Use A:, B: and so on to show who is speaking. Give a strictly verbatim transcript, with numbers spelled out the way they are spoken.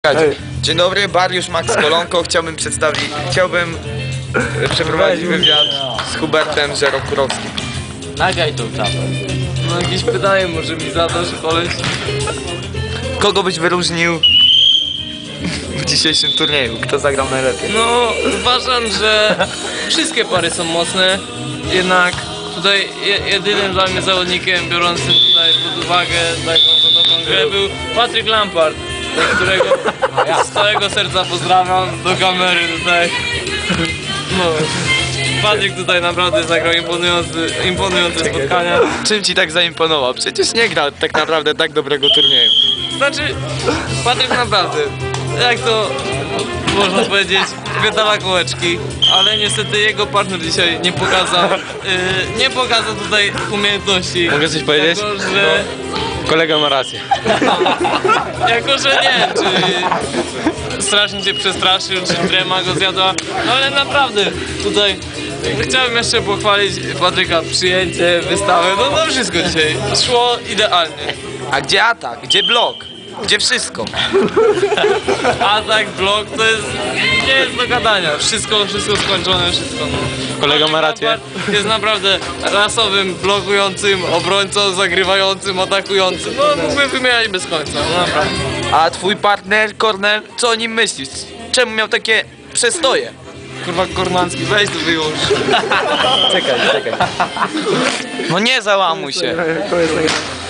A: Dzień dobry, Bariusz Max Kolonko. Chciałbym przedstawić, chciałbym e, przeprowadzić wywiad z Hubertem Żerokurowskim.
B: Nagraj tą czapę.
C: No jakieś pytanie może mi zadasz, koleś?
A: Kogo byś wyróżnił w dzisiejszym turnieju? Kto zagrał najlepiej?
C: No uważam, że wszystkie pary są mocne, jednak tutaj je, jedynym dla mnie zawodnikiem biorącym tutaj pod uwagę taką dobrą grę był Patryk Lampard, do którego z całego serca pozdrawiam do kamery tutaj. No, Patryk tutaj naprawdę zagrał imponujący, imponujące spotkania.
A: Czym ci tak zaimponował? Przecież nie gra tak naprawdę tak dobrego turnieju.
C: Znaczy, Patryk naprawdę, jak to można powiedzieć, wydala kołeczki, ale niestety jego partner dzisiaj nie pokazał, yy, nie pokazał tutaj umiejętności.
B: Mogę coś powiedzieć?
C: Jako, że,
B: Kolega ma rację.
C: jako, że nie wiem, czy strasznie cię przestraszył, czy trema go zjadła, no ale naprawdę tutaj chciałbym jeszcze pochwalić Patryka, przyjęcie, wystawę, no to wszystko dzisiaj szło idealnie.
A: A gdzie atak? Gdzie blok? Gdzie wszystko?
C: Atak, blok, to jest, nie jest do gadania. Wszystko, wszystko skończone, wszystko.
B: Kolega ma rację.
C: Jest naprawdę rasowym, blokującym, obrońcą, zagrywającym, atakującym. No mógłbym wymieniać bez końca, no naprawdę.
A: A twój partner, Kornel, co o nim myślisz? Czemu miał takie przestoje?
C: Kurwa Kornacki, weź to wyłącz.
A: Czekaj, czekaj. No nie załamuj się.